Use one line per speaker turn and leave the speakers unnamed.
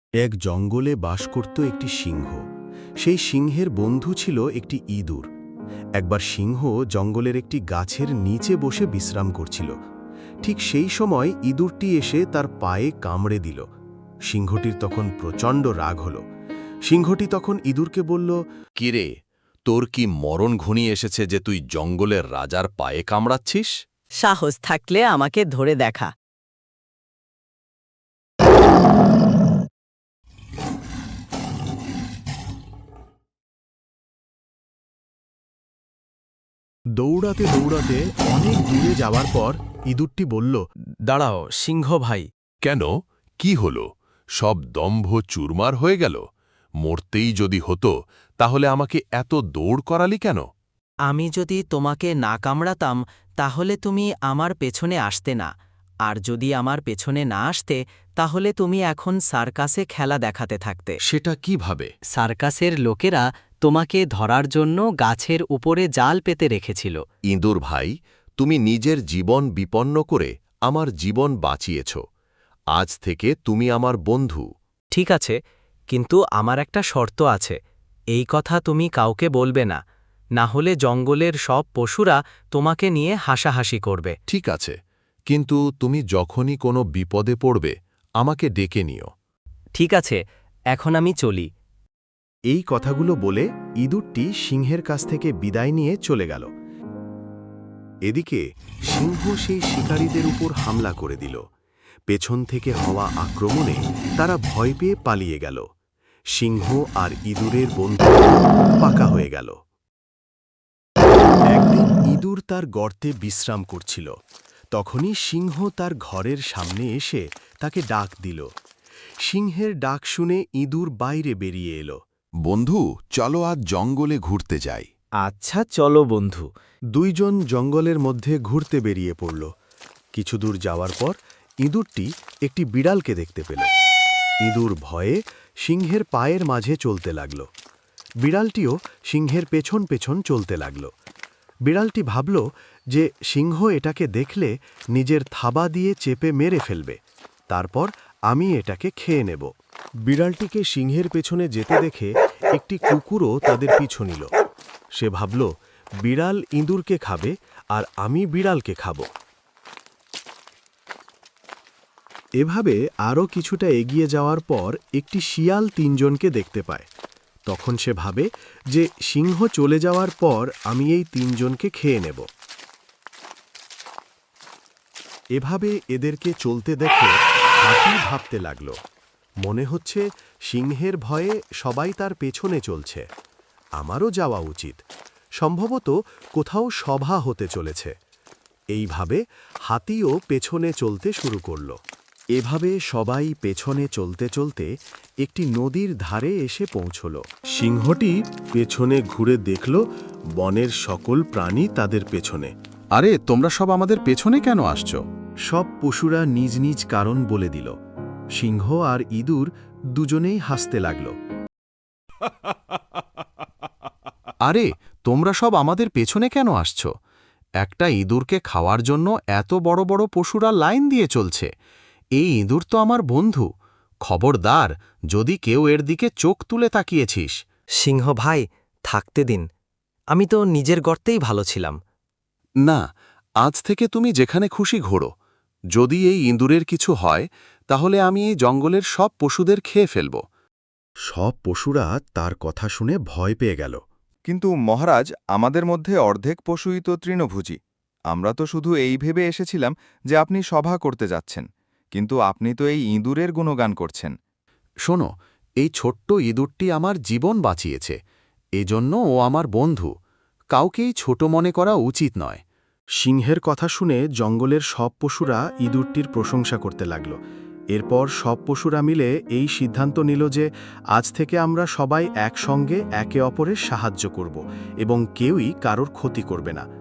এক জঙ্গলে বাস করত একটি সিংহ। সেই সিংহের বন্ধু ছিল একটি ইঁদুর। একবার সিংহ জঙ্গলের একটি গাছের নিচে বসে বিশ্রাম করছিল। ঠিক সেই সময় ইঁদুরটি এসে তার পায়ে কামড়ে দিল। সিংহটির তখন প্রচণ্ড রাগ হল। সিংহটি তখন ইঁদুরকে বলল,
কিরে, তোর কি মরণ ঘনিয়ে এসেছে যে তুই জঙ্গলের রাজার পায়ে কামড়াচ্ছিস?
সাহস থাকলে আমাকে ধরে দেখা।
দৌড়াতে দৌড়াতে অনেক দূরে যাওয়ার পর ইঁদুরটি বলল,
দাঁড়াও সিংহ ভাই।
কেন, কি হল? সব দম্ভ চুরমার হয়ে গেল? মরতেই যদি হতো তাহলে আমাকে এত দৌড় করালি কেন?
আমি যদি তোমাকে না কামড়াতাম তাহলে তুমি আমার পেছনে আসতে না, আর যদি আমার পেছনে না আসতে তাহলে তুমি এখন সার্কাসে খেলা দেখাতে থাকতে।
সেটা কিভাবে?
সার্কাসের লোকেরা তোমাকে ধরার জন্য গাছের উপরে জাল পেতে রেখেছিল।
ইঁদুর ভাই, তুমি নিজের জীবন বিপন্ন করে আমার জীবন বাঁচিয়েছ। আজ থেকে তুমি আমার বন্ধু।
ঠিক আছে, কিন্তু আমার একটা শর্ত আছে। এই কথা তুমি কাউকে বলবে না, না হলে জঙ্গলের সব পশুরা তোমাকে নিয়ে হাসাহাসি করবে।
ঠিক আছে, কিন্তু তুমি যখনই কোনো বিপদে পড়বে আমাকে ডেকে নিও।
ঠিক আছে, এখন আমি চলি।
এই কথাগুলো বলে ইঁদুরটি সিংহের কাছ থেকে বিদায় নিয়ে চলে গেল। এদিকে সিংহ সেই শিকারীদের উপর হামলা করে দিল। পেছন থেকে হওয়া আক্রমণে তারা ভয় পেয়ে পালিয়ে গেল। সিংহ আর ইঁদুরের বন্ধুত্ব পাকা হয়ে গেল। একদিন ইঁদুর তার গর্তে বিশ্রাম করছিল। তখনই সিংহ তার ঘরের সামনে এসে তাকে ডাক দিল। সিংহের ডাক শুনে ইঁদুর বাইরে বেরিয়ে এলো।
বন্ধু, চলো আজ জঙ্গলে ঘুরতে যাই।
আচ্ছা চলো বন্ধু।
দুইজন জঙ্গলের মধ্যে ঘুরতে বেরিয়ে পড়ল। কিছু দূর যাওয়ার পর ইঁদুরটি একটি বিড়ালকে দেখতে পেল। ইঁদুর ভয়ে সিংহের পায়ের মাঝে চলতে লাগল। বিড়ালটিও সিংহের পেছন পেছন চলতে লাগল। বিড়ালটি ভাবল যে সিংহ এটাকে দেখলে নিজের থাবা দিয়ে চেপে মেরে ফেলবে, তারপর আমি এটাকে খেয়ে নেব। বিড়ালটিকে সিংহের পেছনে যেতে দেখে একটি কুকুরও তাদের পিছু নিল। সে ভাবল, বিড়াল ইঁদুরকে খাবে আর আমি বিড়ালকে খাব। এভাবে আরও কিছুটা এগিয়ে যাওয়ার পর একটি শিয়াল তিনজনকে দেখতে পায়। তখন সে ভাবে যে সিংহ চলে যাওয়ার পর আমি এই তিনজনকে খেয়ে নেব। এভাবে এদেরকে চলতে দেখে হাতি ভাবতে লাগল, মনে হচ্ছে সিংহের ভয়ে সবাই তার পেছনে চলছে, আমারও যাওয়া উচিত। সম্ভবত কোথাও সভা হতে চলেছে। এইভাবে হাতিও পেছনে চলতে শুরু করল। এভাবে সবাই পেছনে চলতে চলতে একটি নদীর ধারে এসে পৌঁছল। সিংহটি পেছনে ঘুরে দেখল বনের সকল প্রাণী তাদের পেছনে।
আরে, তোমরা সব আমাদের পেছনে কেন আসছো?
সব পশুরা নিজ নিজ কারণ বলে দিল। সিংহ আর ইঁদুর দুজনেই হাসতে লাগল।
আরে, তোমরা সব আমাদের পেছনে কেন আসছো? একটা ইঁদুরকে খাওয়ার জন্য এত বড় বড় পশুরা লাইন দিয়ে চলছে। এই ইঁদুর তো আমার বন্ধু। খবরদার, যদি কেউ এর দিকে চোখ তুলে তাকিয়েছিস।
সিংহ ভাই, থাকতে দিন। আমি তো নিজের গর্তেই ভালো ছিলাম।
না, আজ থেকে তুমি যেখানে খুশি ঘোরো। যদি এই ইঁদুরের কিছু হয় তাহলে আমি এই জঙ্গলের সব পশুদের খেয়ে ফেলব।
সব পশুরা তার কথা শুনে ভয় পেয়ে গেল।
কিন্তু মহারাজ, আমাদের মধ্যে অর্ধেক পশুই তো তৃণভোজী। আমরা তো শুধু এই ভেবে এসেছিলাম যে আপনি সভা করতে যাচ্ছেন, কিন্তু আপনি তো এই ইঁদুরের গুণগান করছেন।
শোনো, এই ছোট্ট ইঁদুরটি আমার জীবন বাঁচিয়েছে, এজন্য ও আমার বন্ধু। কাউকেই ছোট মনে করা উচিত নয়।
সিংহের কথা শুনে জঙ্গলের সব পশুরা ইঁদুরটির প্রশংসা করতে লাগল। এরপর সব পশুরা মিলে এই সিদ্ধান্ত নিল যে আজ থেকে আমরা সবাই একসঙ্গে একে অপরের সাহায্য করব এবং কেউই কারোর ক্ষতি করবে না।